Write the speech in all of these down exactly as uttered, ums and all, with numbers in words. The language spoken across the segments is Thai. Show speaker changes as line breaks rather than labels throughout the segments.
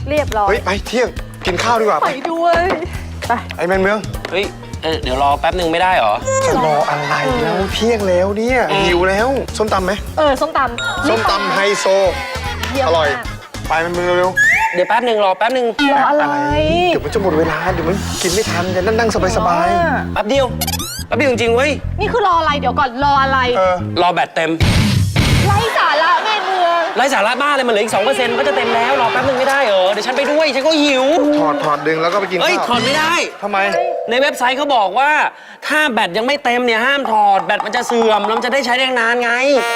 เรียบร้อย
เฮ้ยไปเที่ยงกินข้าวดีกว่า
ไปด้วยไป
ไอ้แมนเมือง
เฮ้ยเออเดี๋ยวรอแป๊บหนึ่งไม่ได้เหรอ
จะรออะไรแล้วเที่ยงแล้วเนี่ยหิวแล้วส้มตำไหม
เออส้มตำ
ส้มตำไฮโซอร่อยไปแมนเมืองเร็ว
เดี๋ยวแป๊บหนึ่งรอแป๊บหนึ่ง
รออะไร
เดี๋ยวมันจะหมดเวลาเดี๋ยวมันกินไม่ทันจะนั่งนั่งสบายสบาย
แป๊บเดียวแป๊บเดียวจริงๆเว้ย
นี่คือรออะไรเดี๋ยวก่อนรออะไร
เออ
รอแบตเต็ม
ไร้สาระแม่เมือง
ไร้สาระบ้าเลยมันเหลืออีกสองเปอร์เซ็นต์ก็จะเต็มแล้วรอแป๊บหนึ่งไม่ได้เหรอเดี๋ยวฉันไปด้วยฉันก็หิว
ถอดถอดดึงแล้วก็ไปกิน
เฮ้ย
ข้าว
ถอดไม่ได้
ทำไม
ในเว็บไซต์เขาบอกว่าถ้าแบตยังไม่เต็มเนี่ยห้ามถอดแบตมันจะเสื่อมแล้วมันจะได้ใช้ได้นานไง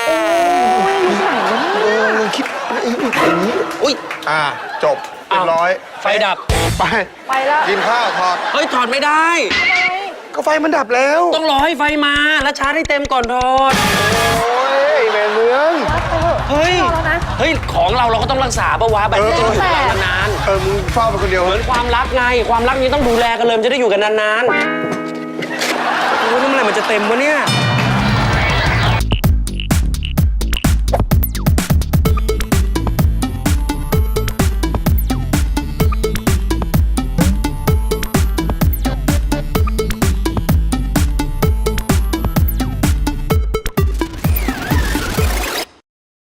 เออมึงคิดอย่างนี้
อุ้ย
อ่าจบเรียบร้อย
ไฟดับ
ไป
ไปแล้ว
กินข้าวถอด
เฮ้ยถอดไม่ได้
ก็ไฟมันดับแล้ว
ต้องรอให้ไฟมาแล้วชาร์จให้เต็มก่อนถอด
โอ้ยแมนเมือง
เฮ้ย
รอแล้วนะ
เฮ้ยของเราเราก็ต้องรักษาปะวะแบตมันจะอยู่กับเรานาน
เออมึงเฝ้าไปคนเดียว
ๆเหมือนความรักไงความรักนี้ต้องดูแลกันเลยมันจะได้อยู่กันนานๆโอ้ยนี่เมื่อไหร่มันจะเต็มวะเนี่ย
ไ